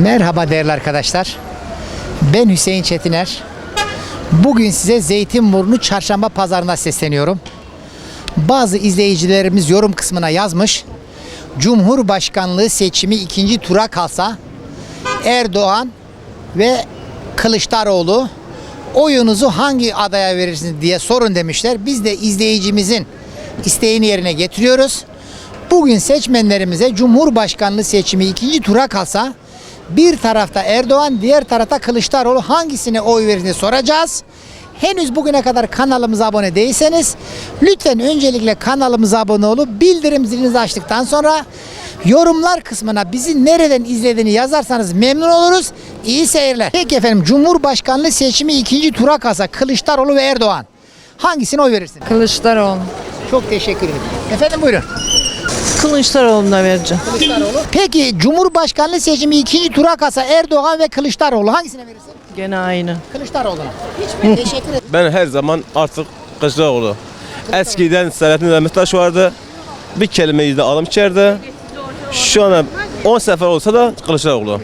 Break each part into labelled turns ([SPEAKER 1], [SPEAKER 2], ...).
[SPEAKER 1] Merhaba değerli arkadaşlar. Ben Hüseyin Çetiner. Bugün size Zeytinburnu Çarşamba Pazarı'nda sesleniyorum. Bazı izleyicilerimiz yorum kısmına yazmış. Cumhurbaşkanlığı seçimi ikinci tura kalsa Erdoğan ve Kılıçdaroğlu oyunuzu hangi adaya verirsiniz diye sorun demişler. Biz de izleyicimizin isteğini yerine getiriyoruz. Bugün seçmenlerimize Cumhurbaşkanlığı seçimi ikinci tura kalsa bir tarafta Erdoğan, diğer tarafta Kılıçdaroğlu hangisine oy verirsiniz soracağız. Henüz bugüne kadar kanalımıza abone değilseniz lütfen öncelikle kanalımıza abone olup bildirim zilinizi açtıktan sonra yorumlar kısmına bizi nereden izlediğini yazarsanız memnun oluruz. İyi seyirler. Peki efendim, Cumhurbaşkanlığı seçimi ikinci tura kalsa Kılıçdaroğlu ve Erdoğan hangisine oy verirsin?
[SPEAKER 2] Kılıçdaroğlu.
[SPEAKER 1] Çok teşekkür ederim. Efendim buyurun.
[SPEAKER 2] Kılıçdaroğlu'na vereceğim.
[SPEAKER 1] Kılıçdaroğlu. Peki Cumhurbaşkanlığı seçimi ikinci tura kalsa Erdoğan ve Kılıçdaroğlu hangisine verirsin?
[SPEAKER 2] Gene aynı.
[SPEAKER 1] Kılıçdaroğlu'na. Hiç teşekkür ederim.
[SPEAKER 3] Ben her zaman artık Kılıçdaroğlu. Eskiden Selahattin Demirtaş vardı. Bir kelimeyi de alım içeride. Şu an 10 sefer olsa da Kılıçdaroğlu.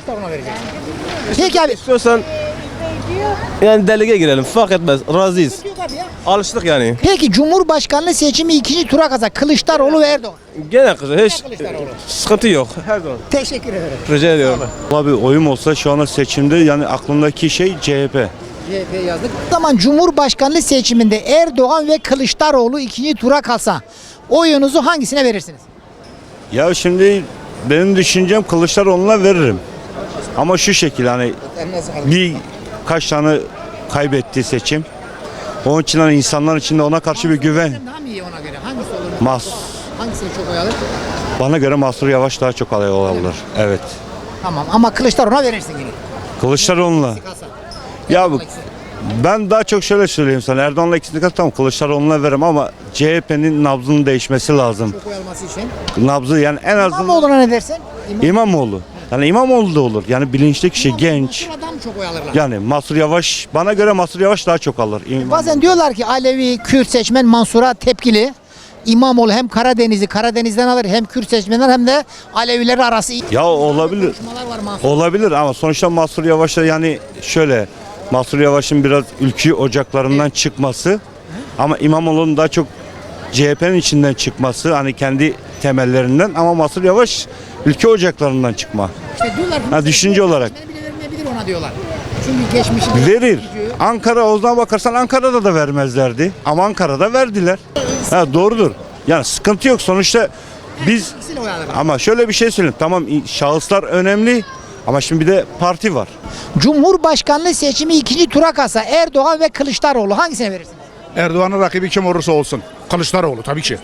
[SPEAKER 1] Peki abi.
[SPEAKER 3] İstiyorsan yani delege girelim, fark etmez. Razıyız. Alıştık yani.
[SPEAKER 1] Peki Cumhurbaşkanlığı seçimi ikinci tura kalsa Kılıçdaroğlu ve Erdoğan.
[SPEAKER 3] Gene kızı hiç
[SPEAKER 1] Kılıçdaroğlu.
[SPEAKER 3] sıkıntı yok. Her zaman.
[SPEAKER 1] Teşekkür ederim.
[SPEAKER 3] Rica ediyorum.
[SPEAKER 4] Abi oyum olsa şu anda seçimde yani aklımdaki şey CHP.
[SPEAKER 1] CHP yazdık. O zaman Cumhurbaşkanlığı seçiminde Erdoğan ve Kılıçdaroğlu ikinci tura kalsa oyunuzu hangisine verirsiniz?
[SPEAKER 4] Ya şimdi benim düşüncem Kılıçdaroğlu'na veririm. Ama şu şekilde hani bir kaç tane kaybetti seçim. Onun için hani insanlar içinde ona karşı bir güven.
[SPEAKER 1] Daha mı iyi ona göre? Hangisi olur? Hangisini çok oy alır?
[SPEAKER 4] Bana göre Mansur Yavaş daha çok aday alır. Evet.
[SPEAKER 1] Tamam ama Kılıçdaroğlu'na verirsin yine.
[SPEAKER 4] Kılıçdaroğlu'na.
[SPEAKER 1] Kalsa.
[SPEAKER 4] Ya ben daha çok şöyle söyleyeyim sana. Erdoğan'la ikisini kat tamam Kılıçdaroğlu'na veririm ama CHP'nin nabzının değişmesi lazım.
[SPEAKER 1] Çok oy alması için.
[SPEAKER 4] Nabzı yani en azından
[SPEAKER 1] İmamoğlu'na ne dersin?
[SPEAKER 4] İmamoğlu. Yani İmamoğlu da olur. Yani bilinçli kişi, genç.
[SPEAKER 1] Adam çok oy alırlar.
[SPEAKER 4] Yani Mansur Yavaş, bana göre Mansur Yavaş daha çok alır.
[SPEAKER 1] Bazen diyorlar ki Alevi, Kürt seçmen Mansur'a tepkili. İmamoğlu hem Karadeniz'den alır, hem Kürt seçmenler hem de Aleviler arası iyi.
[SPEAKER 4] Ya olabilir.
[SPEAKER 1] Konuşmalar var Mansur.
[SPEAKER 4] Olabilir ama sonuçta Mansur Yavaş'a yani şöyle Mansur Yavaş'ın biraz ülke ocaklarından çıkması ama İmamoğlu'nun daha çok CHP'nin içinden çıkması hani kendi temellerinden ama Mansur Yavaş ülke ocaklarından çıkma.
[SPEAKER 1] İşte diyorlar ki
[SPEAKER 4] Ha, düşünce olarak.
[SPEAKER 1] seçmeni bile vermeyebilir ona diyorlar. Çünkü geçmişi
[SPEAKER 4] Verir. Ankara o zaman bakarsan Ankara'da da vermezlerdi ama Ankara'da verdiler. Ha, doğrudur. Yani sıkıntı yok sonuçta biz
[SPEAKER 1] İkisiyle oy alırlar.
[SPEAKER 4] ama şöyle bir şey söyleyeyim tamam şahıslar önemli ama şimdi bir de parti var.
[SPEAKER 1] Cumhurbaşkanlığı seçimi ikinci tura kalsa Erdoğan ve Kılıçdaroğlu hangisine verirsin?
[SPEAKER 5] Erdoğan'ın rakibi kim olursa olsun. Kılıçdaroğlu tabii ki.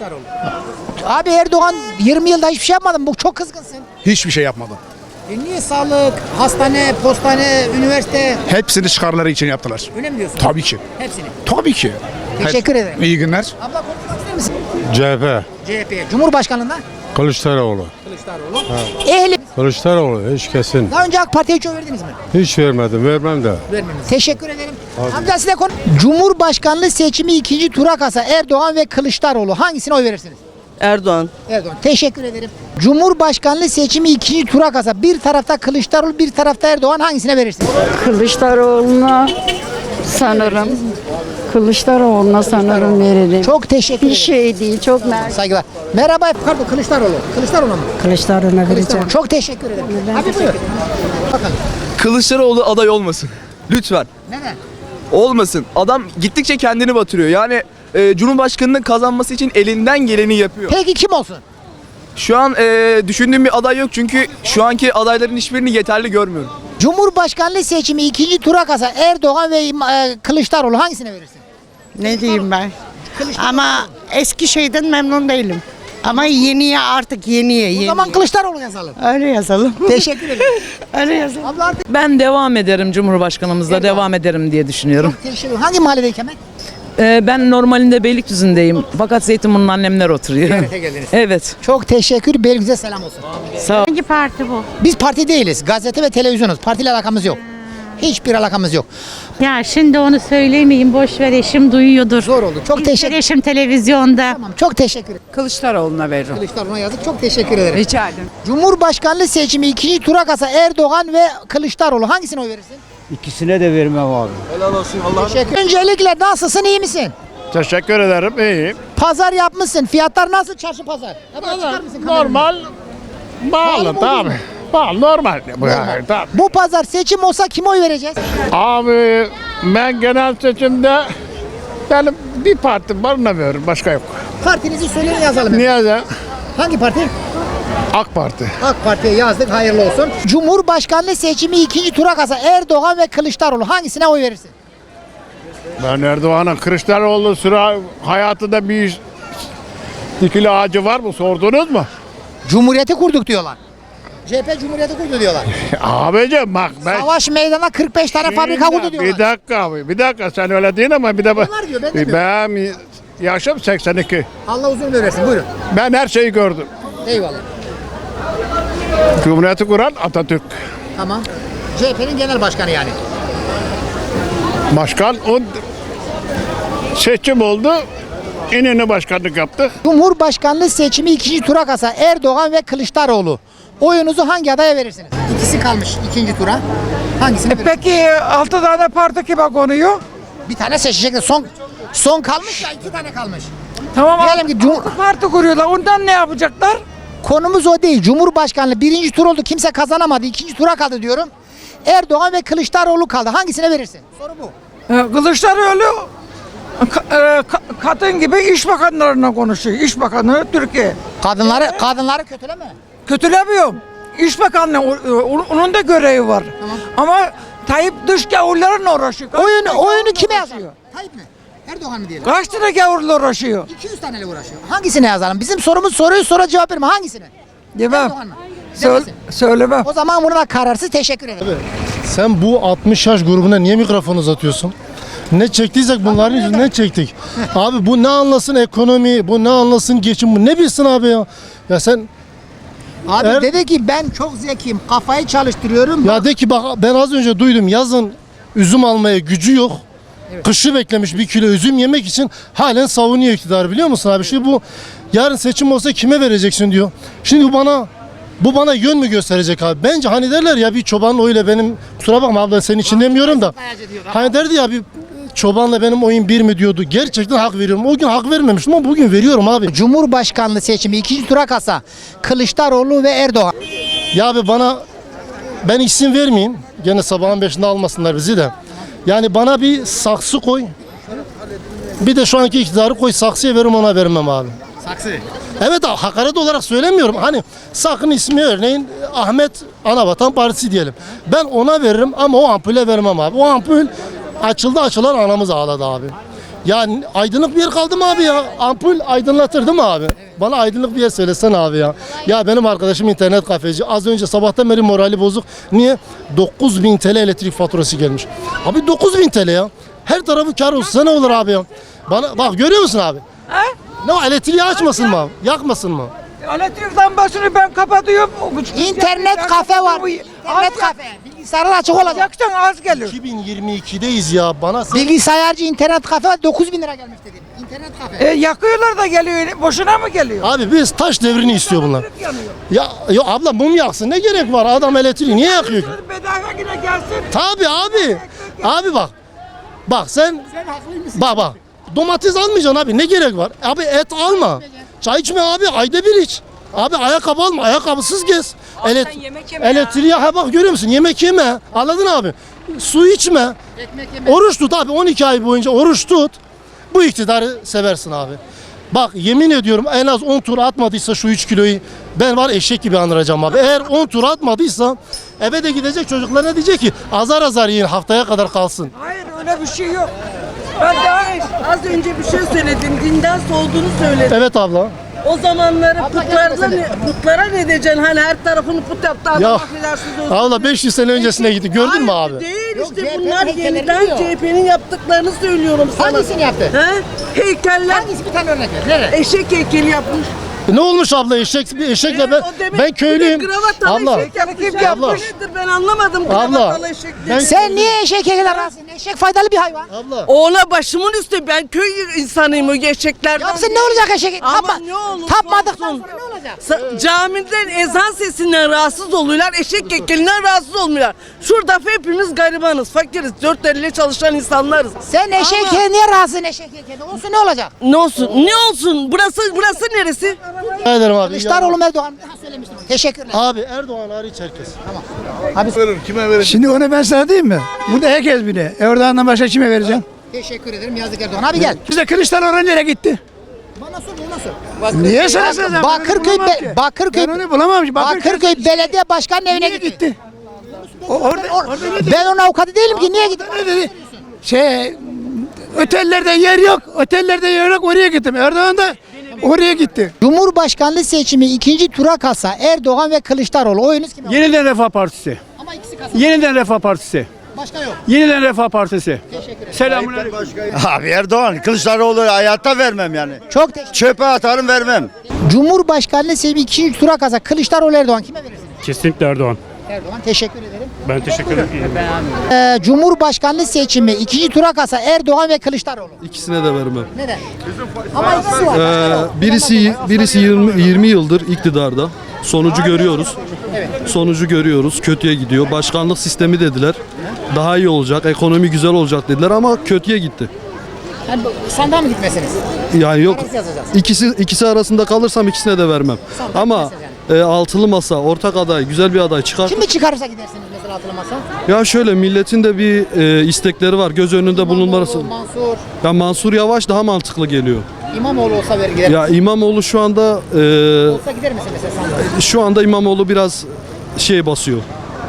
[SPEAKER 1] Abi Erdoğan 20 yılda hiçbir şey yapmadı mı? Bu çok kızgınsın.
[SPEAKER 5] Hiçbir şey yapmadı.
[SPEAKER 1] Niye sağlık, hastane, postane, üniversite
[SPEAKER 5] Hepsini çıkarları için yaptılar.
[SPEAKER 1] öyle mi diyorsun?
[SPEAKER 5] Tabii ki.
[SPEAKER 1] Hepsini.
[SPEAKER 5] Tabii ki.
[SPEAKER 1] Teşekkür ederim.
[SPEAKER 5] İyi günler.
[SPEAKER 1] Abla konuşmak ister misin?
[SPEAKER 6] CHP,
[SPEAKER 1] CHP. Cumhurbaşkanlığında
[SPEAKER 6] Kılıçdaroğlu.
[SPEAKER 1] Kılıçdaroğlu. Ehli.
[SPEAKER 6] Kılıçdaroğlu hiç kesin.
[SPEAKER 1] Daha önce AK Parti'ye hiç oy verdiniz mi?
[SPEAKER 6] Hiç vermedim, vermem de.
[SPEAKER 1] Vermediniz. Teşekkür ederim. Amca size konu. Cumhurbaşkanlığı seçimi ikinci tura kalsa Erdoğan ve Kılıçdaroğlu hangisine oy verirsiniz?
[SPEAKER 2] Erdoğan.
[SPEAKER 1] Erdoğan. Teşekkür ederim. Cumhurbaşkanlığı seçimi ikinci tura kalsa bir tarafta Kılıçdaroğlu bir tarafta Erdoğan hangisine verirsiniz?
[SPEAKER 7] Kılıçdaroğlu'na sanırım. Kılıçdaroğlu'na sanırım veririm.
[SPEAKER 1] Çok teşekkür
[SPEAKER 7] Bir
[SPEAKER 1] ederim.
[SPEAKER 7] şey değil, çok mersi.
[SPEAKER 1] Saygılar. Merhaba. Pardon Kılıçdaroğlu. Kılıçdaroğlu mu?
[SPEAKER 7] Kılıçdaroğlu'na vereceğim.
[SPEAKER 1] Çok teşekkür ederim. Abi buyur. Bakalım.
[SPEAKER 8] Kılıçdaroğlu aday olmasın. Lütfen.
[SPEAKER 1] Neden?
[SPEAKER 8] Olmasın. Adam gittikçe kendini batırıyor. Yani Cumhurbaşkanı'nın kazanması için elinden geleni yapıyor.
[SPEAKER 1] Peki kim olsun?
[SPEAKER 8] Şu an düşündüğüm bir aday yok çünkü şu anki adayların hiçbirini yeterli görmüyorum.
[SPEAKER 1] Cumhurbaşkanlığı seçimi ikinci tura kalsa Erdoğan ve Kılıçdaroğlu hangisine verirsin?
[SPEAKER 9] Ne diyeyim ben? Ama eski şeyden memnun değilim. Ama yeniye artık yeniye.
[SPEAKER 1] O zaman Kılıçdaroğlu yazalım.
[SPEAKER 9] Öyle yazalım.
[SPEAKER 1] Teşekkür ederim.
[SPEAKER 9] Öyle yazalım.
[SPEAKER 1] Abla artık
[SPEAKER 2] Ben devam ederim, Cumhurbaşkanımızla devam ederim diye düşünüyorum.
[SPEAKER 1] teşekkür ederim. Hangi mahallede hemen?
[SPEAKER 2] Ben normalinde Beylikdüzü'ndeyim. Fakat Zeytinburnu'nun annemler oturuyor.
[SPEAKER 1] Ziyarete geldiniz.
[SPEAKER 2] Evet.
[SPEAKER 1] Çok teşekkür. Beylikdüzü'ne selam olsun.
[SPEAKER 2] Sağ ol.
[SPEAKER 7] Hangi parti bu?
[SPEAKER 1] Biz parti değiliz. Gazete ve televizyonuz. Partiyle alakamız yok. Hiçbir alakamız yok.
[SPEAKER 10] Ya şimdi onu söylemeyeyim, boş ver, eşim duyuyordur.
[SPEAKER 1] Zor oldu. Çok teşekkür
[SPEAKER 10] Eşim televizyonda.
[SPEAKER 1] Tamam, çok teşekkür ederim.
[SPEAKER 2] Kılıçdaroğlu'na veririm.
[SPEAKER 1] Kılıçdaroğlu'na yazdık. Çok teşekkür ederim.
[SPEAKER 2] Rica ederim.
[SPEAKER 1] Cumhurbaşkanlığı seçimi ikinci tura kalsa Erdoğan ve Kılıçdaroğlu hangisine oy verirsin?
[SPEAKER 11] İkisine de vermem abi.
[SPEAKER 3] Helal olsun Allah.
[SPEAKER 1] Teşekkür. Öncelikle nasılsın, iyi misin?
[SPEAKER 5] Teşekkür ederim. İyiyim.
[SPEAKER 1] Pazar yapmışsın. Fiyatlar nasıl çarşı pazar? Hemen çıkar mısın kamerayı?
[SPEAKER 5] Normal. Bağlı tamam. Bağlı normal. Bu, yani, tamam.
[SPEAKER 1] Bu pazar seçim olsa kime oy vereceğiz?
[SPEAKER 5] Abi ben genel seçimde benim bir parti var, ona veririm. Başka yok.
[SPEAKER 1] Partinizi söyleyin, yazalım.
[SPEAKER 5] Niye de?
[SPEAKER 1] Hangi parti?
[SPEAKER 5] AK Parti.
[SPEAKER 1] AK Parti'ye yazdık, hayırlı olsun. Cumhurbaşkanlığı seçimi ikinci tura kalsa Erdoğan ve Kılıçdaroğlu hangisine oy verirsin?
[SPEAKER 5] Ben Erdoğan'ın Kılıçdaroğlu sıra hayatında bir dikili ağacı var mı, sordunuz mu?
[SPEAKER 1] Cumhuriyeti kurduk diyorlar. CHP Cumhuriyeti kurdu diyorlar.
[SPEAKER 5] Abicim bak ben...
[SPEAKER 1] Savaş meydana 45 tane fabrika kurdu diyorlar.
[SPEAKER 5] Bir dakika abi, bir dakika sen öyle değil ama bir de
[SPEAKER 1] Onlar diyor, ben demiyorum.
[SPEAKER 5] ben yaşım 82.
[SPEAKER 1] Allah uzun ömür versin, buyurun.
[SPEAKER 5] Ben her şeyi gördüm.
[SPEAKER 1] Eyvallah.
[SPEAKER 5] Cumhuriyeti kuran Atatürk.
[SPEAKER 1] Tamam. CHP'nin genel başkanı yani.
[SPEAKER 5] Başkan o seçim oldu. İnönü başkanlık yaptı.
[SPEAKER 1] Cumhurbaşkanlığı seçimi ikinci tura kalsa Erdoğan ve Kılıçdaroğlu. Oyunuzu hangi adaya verirsiniz? İkisi kalmış ikinci tura. Hangisini verirsiniz?
[SPEAKER 2] Peki 6 tane parti kime konuyor?
[SPEAKER 1] Bir tane seçecekler. Son kalmış ya, 2 tane kalmış.
[SPEAKER 2] Tamam,
[SPEAKER 1] Diyelim ki
[SPEAKER 2] parti kuruyorlar. Ondan ne yapacaklar?
[SPEAKER 1] konumuz o değil. Cumhurbaşkanlığı birinci tur oldu. Kimse kazanamadı. İkinci tura kaldı diyorum. Erdoğan ve Kılıçdaroğlu kaldı. Hangisine verirsin? Soru bu.
[SPEAKER 2] Kılıçdaroğlu kadın gibi iş bakanlarına konuşuyor. İş Bakanı Türkiye.
[SPEAKER 1] Kadınları kötüleme.
[SPEAKER 2] Kötülemiyorum. İş Bakanlığı onun da görevi var. Ama Tayyip dış gavurlarla uğraşıyor.
[SPEAKER 1] Oyunu kime yazalım? Tayyip mi? Erdoğan mı diyelim?
[SPEAKER 2] Kaç tane gavurla uğraşıyor?
[SPEAKER 1] 200 taneyle uğraşıyor. Hangisine yazalım? Bizim sorumuz soruyu sonra cevap verme. Hangisine?
[SPEAKER 2] Demem.
[SPEAKER 1] Erdoğan mı? Demesin.
[SPEAKER 2] Söylemem.
[SPEAKER 1] O zaman buna kararsız, teşekkür ederim.
[SPEAKER 6] Sen bu 60 yaş grubuna niye mikrofon uzatıyorsun? Ne çektiysek bunların yüzünden çektik. Abi bu ne anlasın ekonomi, bu ne anlasın geçim, bu ne bilsin abi ya? Ya sen
[SPEAKER 1] Abi dedi ki ben çok zekiyim, kafayı çalıştırıyorum.
[SPEAKER 6] ya de ki bak ben az önce duydum yazın üzüm almaya gücü yok. Kışı beklemiş 1 kilo üzüm yemek için halen savunuyor iktidar, biliyor musun abi? Şimdi bu yarın seçim olsa kime vereceksin diyor. Şimdi bu bana yön mü gösterecek abi? Bence hani derler ya bir çobanın oyuyla benim, kusura bakma abla senin için demiyorum da. Hani derdi ya bir çobanla benim oyun bir mi diyordu. Gerçekten hak veriyorum. O gün hak vermemiştim ama bugün veriyorum abi.
[SPEAKER 1] Cumhurbaşkanlığı seçimi ikinci tura kalsa Kılıçdaroğlu ve Erdoğan.
[SPEAKER 6] Ya abi ben isim vermeyeyim. Gene sabahın 5'inde almasınlar bizi de. Yani bana bir saksı koy. Bir de şu anki iktidarı koy, saksıya veririm, ona vermem abi.
[SPEAKER 1] Saksı.
[SPEAKER 6] Evet abi, hakaret olarak söylemiyorum. Hani sakın ismi örneğin Ahmet Anavatan Partisi diyelim. Ben ona veririm ama o ampule vermem abi. O ampul açıldı açılan anamız ağladı abi. Yani aydınlık bir yer kaldı mı abi ya? Ampul aydınlatır değil mi abi? Bana aydınlık bir yer söylesene abi ya. Ya benim arkadaşım internet kafeci. Az önce sabahtan beri morali bozuk. Niye? 9.000 TL elektrik faturası gelmiş. Abi 9.000 TL ya. Her tarafı kar olsa ne olur abi ya? Bana bak, görüyor musun abi? Ne o, elektriği açmasın mı abi? Yakmasın mı?
[SPEAKER 2] Elektrik lambasını ben kapatıyorum.
[SPEAKER 1] İnternet kafe var. İnternet kafe. Bilgisayarlar açık olacak.
[SPEAKER 2] Yaksan az gelir.
[SPEAKER 6] 2022'deyiz ya. Bana
[SPEAKER 1] Bilgisayarcı internet kafe var, 9.000 lira gelmiş dedim. İnternet kafe.
[SPEAKER 2] Yakıyorlar da geliyor. Boşuna mı geliyor?
[SPEAKER 6] Abi biz taş devrini istiyor bunlar.
[SPEAKER 2] Yanıyor.
[SPEAKER 6] Ya abla mum yaksın, ne gerek var? Adam elektriği niye yakıyor ki?
[SPEAKER 2] Bedava yine gelsin.
[SPEAKER 6] Tabii abi. Abi bak. Bak sen bak. Domates almayacaksın abi. Ne gerek var? Abi et alma. Çay içme abi. Ayda bir iç. Abi ayakkabı alma. Ayakkabısız gez. Elektriğe bak, görüyor musun? Yemek yeme. Anladın abi? Su içme. Oruç tut abi. 12 ay boyunca oruç tut. Bu iktidarı seversin abi. Bak yemin ediyorum, en az 10 tur atmadıysa şu 3 kiloyu ben var eşek gibi andıracağım abi. Eğer 10 tur atmadıysa eve de gidecek, çocuklarına diyecek ki azar azar yiyin, haftaya kadar kalsın.
[SPEAKER 2] Hayır, öyle bir şey yok.
[SPEAKER 12] Ben daha az önce bir şey söyledim. Dinden solduğunu söyledim.
[SPEAKER 6] Evet abla.
[SPEAKER 12] O zamanları putlara ne diyeceksin? Hani her tarafını put yaptı.
[SPEAKER 6] Ya
[SPEAKER 12] Affedersiniz.
[SPEAKER 6] abla 500 sene öncesine gitti, gördün mü abi?
[SPEAKER 12] Değil
[SPEAKER 1] Yok,
[SPEAKER 12] işte,
[SPEAKER 1] CHP'nin
[SPEAKER 12] bunlar
[SPEAKER 1] heykelleri
[SPEAKER 12] yeniden
[SPEAKER 1] diyor.
[SPEAKER 12] CHP'nin yaptıklarını söylüyorum sana.
[SPEAKER 1] Hangisini yaptı?
[SPEAKER 12] He? Heykeller.
[SPEAKER 1] Hangisi, bir tane örnek ver. Nereye?
[SPEAKER 12] Eşek heykeli yapmış.
[SPEAKER 6] Ne olmuş abla eşekle ben köylüyüm. Abla. Abla.
[SPEAKER 12] Ben anlamadım
[SPEAKER 6] Abla.
[SPEAKER 12] gravatalı eşek.
[SPEAKER 1] Sen niye eşeğe razısın? Eşek faydalı bir hayvan.
[SPEAKER 6] Abla.
[SPEAKER 12] Oğla başımın üstü, ben köy insanıyım, o eşeklerden.
[SPEAKER 1] Yapsın ne olacak eşek?
[SPEAKER 12] Ama ne olursa
[SPEAKER 1] Tapmadıktan
[SPEAKER 12] olsun.
[SPEAKER 1] sonra ne olacak?
[SPEAKER 12] Camiden ezan sesinden rahatsız oluyorlar, eşek kekelinden rahatsız olmuyorlar. Şurada hepimiz garibanız, fakiriz, dört elle çalışan insanlarız.
[SPEAKER 1] Sen eşeğe niye razısın eşeğe? Olsun ne olacak?
[SPEAKER 12] Ne olsun? Ne olsun? Burası neresi?
[SPEAKER 6] Ederim abi.
[SPEAKER 1] Kılıçdaroğlu Erdoğan söylemiştim. Teşekkürler.
[SPEAKER 6] Abi Erdoğan hariç herkes.
[SPEAKER 2] Şimdi onu ben sana diyeyim mi? Burada herkes bile. Erdoğan'dan başka kime vereceğim?
[SPEAKER 1] Teşekkür ederim Yazık Erdoğan. Abi gel.
[SPEAKER 2] Bize Kılıçdaroğlu nereye gitti?
[SPEAKER 1] Bana sor.
[SPEAKER 2] Niye sana söyleyeceğim?
[SPEAKER 1] Bakırköy
[SPEAKER 2] Ben onu bulamam.
[SPEAKER 1] Bakırköy Belediye Başkanı'nın evine
[SPEAKER 2] Niye
[SPEAKER 1] gitti.
[SPEAKER 2] gitti? Orada ne
[SPEAKER 1] Ben onun avukatı değilim ki niye gitti?
[SPEAKER 2] dedi? Otellerde yer yok. Otellerde yer yok. Oraya gittim. Erdoğan da oraya gitti.
[SPEAKER 1] Cumhurbaşkanlığı seçimi ikinci tura kalsa Erdoğan ve Kılıçdaroğlu oyunuz kime?
[SPEAKER 2] Yeniden Refah Partisi.
[SPEAKER 1] Ama ikisi kalsa.
[SPEAKER 2] Yeniden Refah Partisi.
[SPEAKER 1] Başka yok.
[SPEAKER 2] Yeniden Refah Partisi. Selamünaleyküm.
[SPEAKER 11] Abi Erdoğan, Kılıçdaroğlu hayatta vermem yani.
[SPEAKER 1] Çok teşekkür.
[SPEAKER 11] Çöpe atarım vermem.
[SPEAKER 1] Cumhurbaşkanlığı seçimi ikinci tura kalsa Kılıçdaroğlu Erdoğan kime verirsiniz?
[SPEAKER 5] Kesinlikle Erdoğan.
[SPEAKER 1] Erdoğan teşekkür ederim.
[SPEAKER 5] Ben teşekkür ederim.
[SPEAKER 1] Cumhurbaşkanlığı seçimi ikinci tura kalsa Erdoğan ve Kılıçdaroğlu.
[SPEAKER 3] İkisine de vermem.
[SPEAKER 1] Neden? Ama ikisi var.
[SPEAKER 3] Birisi 20 yıldır iktidarda. Sonucu görüyoruz. Sonucu görüyoruz. Kötüye gidiyor. Başkanlık sistemi dediler. Daha iyi olacak, ekonomi güzel olacak dediler ama kötüye gitti.
[SPEAKER 1] Yani sandığa mı gitmesiniz?
[SPEAKER 3] Yani yok.
[SPEAKER 1] Arası yazacağız.
[SPEAKER 3] İkisi arasında kalırsam ikisine de vermem.
[SPEAKER 1] Sandığa
[SPEAKER 3] Ama
[SPEAKER 1] gitmesiniz yani.
[SPEAKER 3] altılı masa, ortak aday, güzel bir aday çıkar.
[SPEAKER 1] Kimi çıkarırsa gidersiniz mesela hatırlamazsa?
[SPEAKER 3] Ya şöyle milletin de bir istekleri var. Göz önünde bulunması.
[SPEAKER 1] Mansur.
[SPEAKER 3] Ya Mansur Yavaş daha mantıklı geliyor.
[SPEAKER 1] İmamoğlu olsa verir gider.
[SPEAKER 3] Ya İmamoğlu şu anda
[SPEAKER 1] Olsa gider misin mesela sandığa?
[SPEAKER 3] şu anda İmamoğlu biraz basıyor.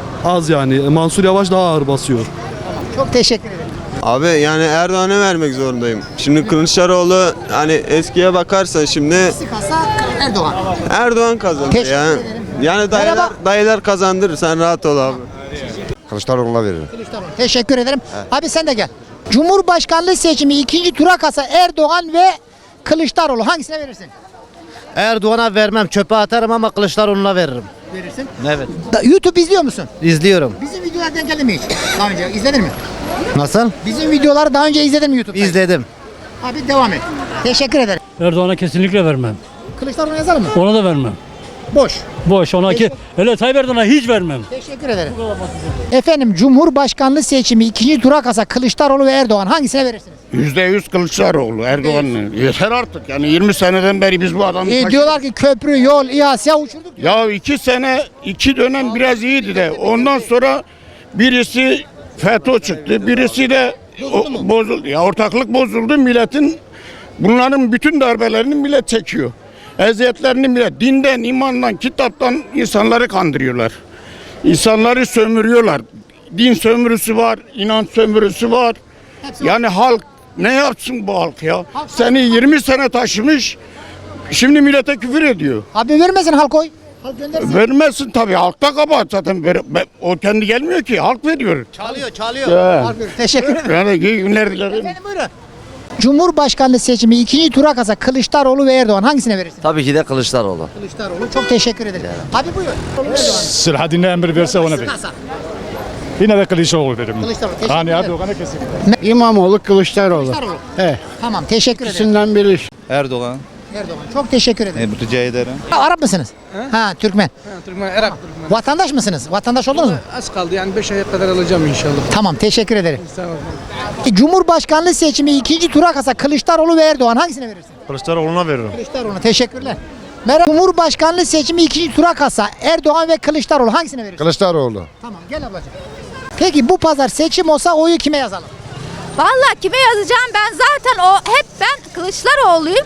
[SPEAKER 3] Az yani. Mansur Yavaş daha ağır basıyor.
[SPEAKER 1] Çok teşekkür ederim.
[SPEAKER 13] Abi yani Erdoğan'a vermek zorundayım. Şimdi Kılıçdaroğlu hani eskiye bakarsan şimdi
[SPEAKER 1] İkisi kalsa Erdoğan.
[SPEAKER 13] Erdoğan kazandı
[SPEAKER 1] Teşekkür
[SPEAKER 13] ya.
[SPEAKER 1] ederim.
[SPEAKER 13] Yani
[SPEAKER 1] Merhaba.
[SPEAKER 13] dayılar kazandırır, sen rahat ol abi.
[SPEAKER 11] Kılıçdaroğlu'na veririm.
[SPEAKER 1] Kılıçdaroğlu. Teşekkür ederim. Abi sen de gel. Cumhurbaşkanlığı seçimi ikinci tura kalsa Erdoğan ve Kılıçdaroğlu hangisine verirsin?
[SPEAKER 11] Erdoğan'a vermem. Çöpe atarım ama Kılıçdaroğlu'na veririm.
[SPEAKER 1] Verirsin.
[SPEAKER 11] Evet.
[SPEAKER 1] YouTube izliyor musun?
[SPEAKER 11] İzliyorum.
[SPEAKER 1] Bizim videolar denk geldi mi hiç? Daha önce izledin mi?
[SPEAKER 11] Nasıl?
[SPEAKER 1] Bizim videoları daha önce izledin mi YouTube'da?
[SPEAKER 11] İzledim.
[SPEAKER 1] Abi devam et. Teşekkür ederim.
[SPEAKER 5] Erdoğan'a kesinlikle vermem.
[SPEAKER 1] Kılıçdaroğlu yazalım mı?
[SPEAKER 5] Ona da vermem.
[SPEAKER 1] Boş.
[SPEAKER 5] Boş ona ki. Hele Tayyip Erdoğan'a hiç vermem.
[SPEAKER 1] Teşekkür ederim. Efendim Cumhurbaşkanlığı seçimi ikinci tura kalsa Kılıçdaroğlu ve Erdoğan hangisine verirsiniz?
[SPEAKER 5] %100 Kılıçdaroğlu, Erdoğan'ın. Yeter artık yani 20 seneden beri biz bu adamı
[SPEAKER 1] Diyorlar ki köprü, yol, İHA uçurduk.
[SPEAKER 5] Ya 2 sene, 2 dönem biraz iyiydi de ondan sonra birisi FETÖ çıktı, birisi de bozuldu. Ya ortaklık bozuldu, milletin bunların bütün darbelerini millet çekiyor. Eziyetlerini millet dinden, imandan, kitaptan insanları kandırıyorlar. İnsanları sömürüyorlar. Din sömürüsü var, inanç sömürüsü var. Yani halk ne yapsın bu halk ya? Seni 20 sene taşımış, şimdi millete küfür ediyor.
[SPEAKER 1] Abi vermesin halk oy. Halk göndersin.
[SPEAKER 5] Vermezsin tabii, halkta kabahat zaten. O kendi gelmiyor ki, halk veriyor.
[SPEAKER 11] Çalıyor.
[SPEAKER 1] Halk verir. Teşekkür ederim.
[SPEAKER 5] Yani iyi günler dilerim.
[SPEAKER 1] Efendim buyurun. Cumhurbaşkanlığı seçimi ikinci tura kalsa Kılıçdaroğlu ve Erdoğan hangisine verirsin?
[SPEAKER 11] Tabii ki de Kılıçdaroğlu.
[SPEAKER 1] Kılıçdaroğlu. Çok teşekkür ederim. Abi buyur.
[SPEAKER 5] Selahattin'e emir verse ona verir.
[SPEAKER 1] Kalsa.
[SPEAKER 5] Yine de Kılıçdaroğlu veririm.
[SPEAKER 1] Kılıçdaroğlu. Teşekkür ederim.
[SPEAKER 5] Erdoğan'a kesinlikle.
[SPEAKER 6] İmamoğlu Kılıçdaroğlu.
[SPEAKER 1] Kılıçdaroğlu.
[SPEAKER 6] He.
[SPEAKER 1] Tamam teşekkür ederim.
[SPEAKER 6] İkisinden biri.
[SPEAKER 3] Erdoğan.
[SPEAKER 1] Erdoğan. Çok teşekkür ederim.
[SPEAKER 3] Rica ederim.
[SPEAKER 1] Arap mısınız? Ha Türkmen.
[SPEAKER 12] Türkmen, Irak.
[SPEAKER 1] Vatandaş mısınız? Vatandaş oldunuz mu?
[SPEAKER 12] Az kaldı yani 5 aya kadar alacağım inşallah.
[SPEAKER 1] Tamam teşekkür ederim. Cumhurbaşkanlığı seçimi ikinci tura kalsa Kılıçdaroğlu ve Erdoğan hangisine verirsin?
[SPEAKER 5] Kılıçdaroğlu'na veririm.
[SPEAKER 1] Kılıçdaroğlu. Teşekkürler. Merhaba. Cumhurbaşkanlığı seçimi ikinci tura kalsa Erdoğan ve Kılıçdaroğlu hangisine verirsin?
[SPEAKER 11] Kılıçdaroğlu.
[SPEAKER 1] Tamam gel ablacığım. Peki bu pazar seçim olsa oyu kime yazalım?
[SPEAKER 10] Vallahi kime yazacağım ben zaten ben Kılıçdaroğlu'yum.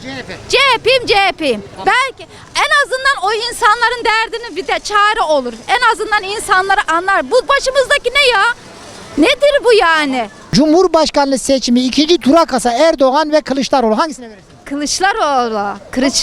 [SPEAKER 10] CHP'yim. Belki en azından o insanların derdini bir de çare olur. En azından insanları anlar. Bu başımızdaki ne ya? Nedir bu yani?
[SPEAKER 1] Cumhurbaşkanlığı seçimi ikinci tura kalsa Erdoğan ve Kılıçdaroğlu hangisine verirsin?
[SPEAKER 10] Kılıçdaroğlu.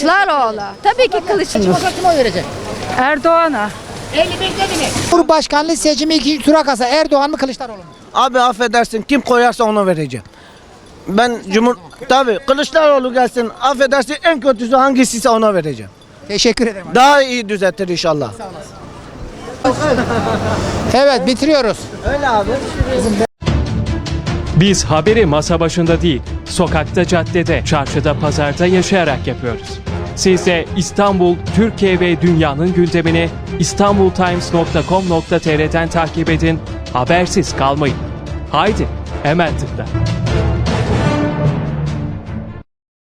[SPEAKER 10] Tabii ki Kılıçdaroğlu.
[SPEAKER 1] Kime oy verecek?
[SPEAKER 10] Erdoğan'a.
[SPEAKER 1] 55 dediniz. Cumhurbaşkanlığı seçimi ikinci tura kalsa Erdoğan mı Kılıçdaroğlu mu?
[SPEAKER 12] Abi affedersin, kim koyarsa ona vereceğim. Ben tabii Kılıçdaroğlu gelsin, affedersin, en kötüsü hangisiyse ona vereceğim.
[SPEAKER 1] Teşekkür ederim.
[SPEAKER 12] Daha iyi düzeltir inşallah.
[SPEAKER 1] Evet, bitiriyoruz.
[SPEAKER 14] Biz haberi masa başında değil, sokakta, caddede, çarşıda, pazarda yaşayarak yapıyoruz. Siz de İstanbul, Türkiye ve dünyanın gündemini istanbultimes.com.tr'den takip edin, habersiz kalmayın. Haydi, hemen tıkla.